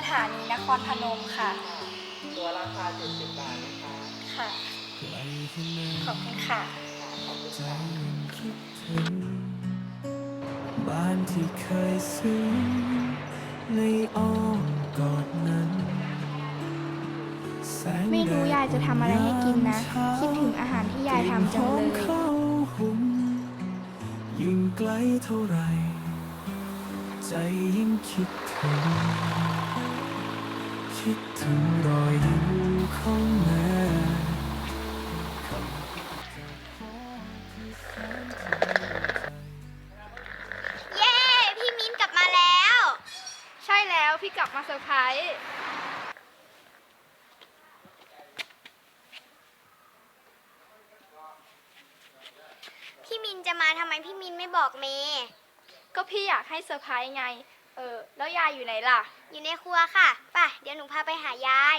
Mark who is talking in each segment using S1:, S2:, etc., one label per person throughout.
S1: ถานีนครพนมค่ะ
S2: ตัวราคา70 บาทนะคะ
S1: ค่ะขอบคุณค่ะ
S2: ขอบคุณค่ะ
S3: บ้านที่เคยซึ้งในอ้อมกอดนั้น
S4: ไม่รู้ยายจะทำอะไรให้กินนะ คิดถึงอาหารที่ยายทำจังเลย
S3: ยิ่งไกลเท่าไรใจยิ่งคิดถึงรอยยิ้มของแม่
S5: เย้ พี่มิ้นกลับมาแล้ว
S4: ใช่แล้วพี่กลับมาเซอร์ไพรส์
S5: พี่มินจะมาทำไมพี่มินไม่บอกเมย์
S4: ก็พี่อยากให้เซอร์ไพรส์ไง แล้วยายอยู่ไหนล่ะ
S5: อยู่ในครัวค่ะป่ะเดี๋ยวหนูพาไปหายาย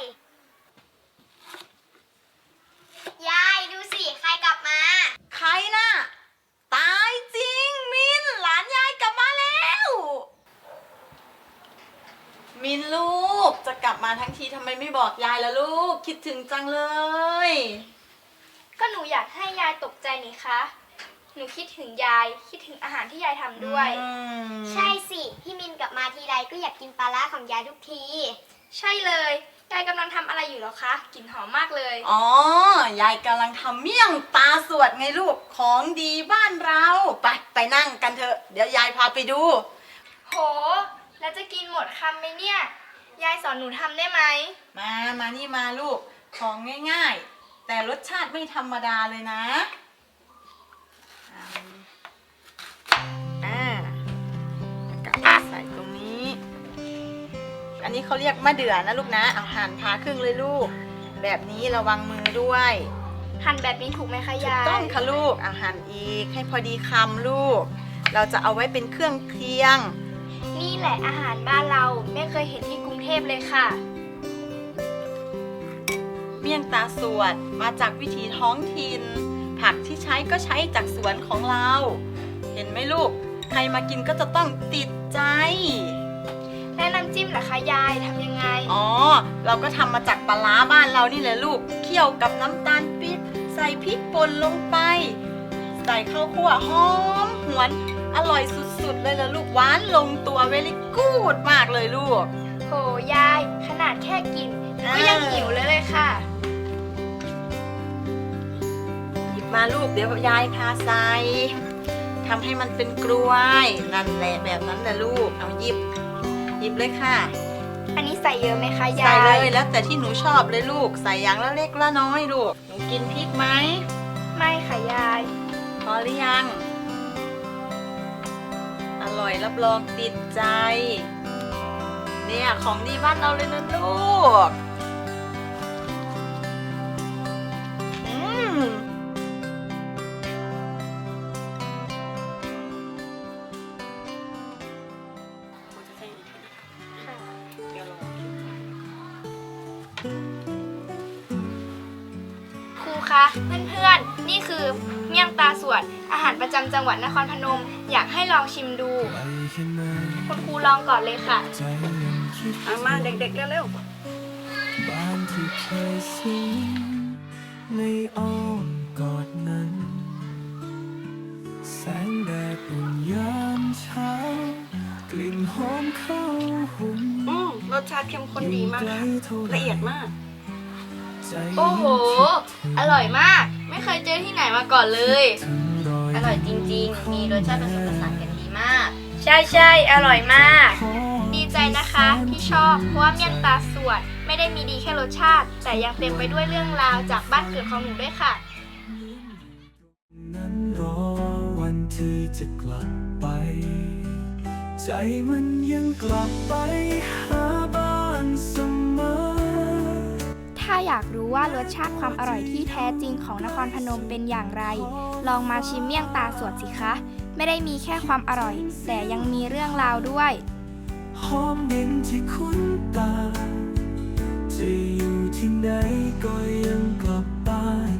S5: ยายดูสิใครกลับมา
S6: ใครน่ะตายจริงมินหลานยายกลับมาแล้วมินลูกจะกลับมาทั้งทีทำไมไม่บอกยายล่ะลูกคิดถึงจังเลย
S4: ก็หนูอยากให้ยายตกใจนี่คะหนูคิดถึงยายคิดถึงอาหารที่ยายทำด้วย
S5: ใช่สิพี่มินกลับมาทีไรก็อยากกินปลาร้าของยายทุกที
S4: ใช่เลยยายกำลังทำอะไรอยู่หรอคะกลิ่นหอมมากเลย
S6: อ๋อยายกำลังทำเมี่ยงตาสวดไงลูกของดีบ้านเราไปนั่งกันเถอะเดี๋ยวยายพาไปดู
S4: โห แล้วจะกินหมดคำไหมเนี่ย ยายสอนหนูทำได้ไหม
S6: มานี่มาลูกของง่ายๆแต่รสชาติไม่ธรรมดาเลยนะกลับใส่ตรงนี้ อันนี้เขาเรียกมะเดื่อนะลูกนะเอาหั่นผ่าครึ่งเลยลูกแบบนี้ระวังมือด้วย
S4: หั่นแบบนี้ถูกไหมคะยาย
S6: ต้องค่ะลูกเอาหั่นอีกให้พอดีคำลูกเราจะเอาไว้เป็นเครื่องเคียง
S4: นี่แหละอาหารบ้านเราไม่เคยเห็นที่กรุงเทพเลยค่ะ
S6: เมี่ยงตาสวดมาจากวิถีท้องถิ่นผักที่ใช้ก็ใช้จากสวนของเรา เห็นไหมลูกใครมากินก็จะต้องติดใจ
S4: แล้วน้ำจิ้มล่ะคะยายทำยังไง
S6: อ๋อเราก็ทำมาจากปลาร้าบ้านเรานี่แหละลูกเคี่ยวกับน้ำตาลปี๊บใส่พริกป่นลงไปใส่ข้าวคั่วหอมหวนอร่อยสุดๆเลยล่ะลูกหวานลงตัวเวลิกูดมากเลยลูก
S4: โหยายขนาดแค่กินก็ยังหิวเลยค่ะ
S6: หยิบมาลูกเดี๋ยวยายพาใส่ทำให้มันเป็นกล้วยนั่นแหละแบบนั้นแหละลูกเอาหยิบเลยค่ะ
S4: อันนี้ใส่เยอะไหมคะยาย
S6: ใส่เลยแล้วแต่ที่หนูชอบเลยลูกใส่อย่างละเล็กละน้อยลูกหนูกินพริกไหม
S4: ไม่ค่ะยาย
S6: พอหรือยังอร่อยรับรองติดใจเนี่ยของดีบ้านเราเลยนะลูก
S4: ครูคะเพื่อนๆนี่คือเมี่ยงตาสวดอาหารประจำจังหวัดนครพนมอยากให้ลองชิมดู คุณครูลองก่อนเลยค่ะมาเด็กๆเร็ว
S3: บ้านที่เคยซึ้งในอ้อมกอดนั้นแสงแดดอุ่นยามเช้ากลิ่นหอมข้าวหุง
S1: รสชาติเข้มข้นดีมากค่ะละเอียดมาก
S4: โอ้โห อร่อยมาก ไม่เคยเจอที่ไหนมาก่อนเลย
S1: อร่อยจริงๆ มีรสชาติผสมผสานกันดีมาก
S4: ใช่ๆอร่อยมาก ดีใจนะคะที่ชอบเพราะว่าเมี่ยงตาสวดไม่ได้มีดีแค่รสชาติ แต่ยังเต็มไปด้วยเรื่องราวจากบ้านเกิดของหนูด้วยค่ะ
S3: นั้นรอวันที่จะกลับไปใจมันยังกลับไปหาบ้านเสมอ
S4: ถ้าอยากรู้ว่ารสชาติความอร่อยที่แท้จริงของนครพนมเป็นอย่างไร ลองมาชิมเมี่ยงตาสวดสิคะ ไม่ได้มีแค่ความอร่อย แต่ยังมีเรื่องราวด้วย
S3: หอมเย็นที่คุ้นตาจะอยู่ที่ไหนก็ยังกลับบ้าน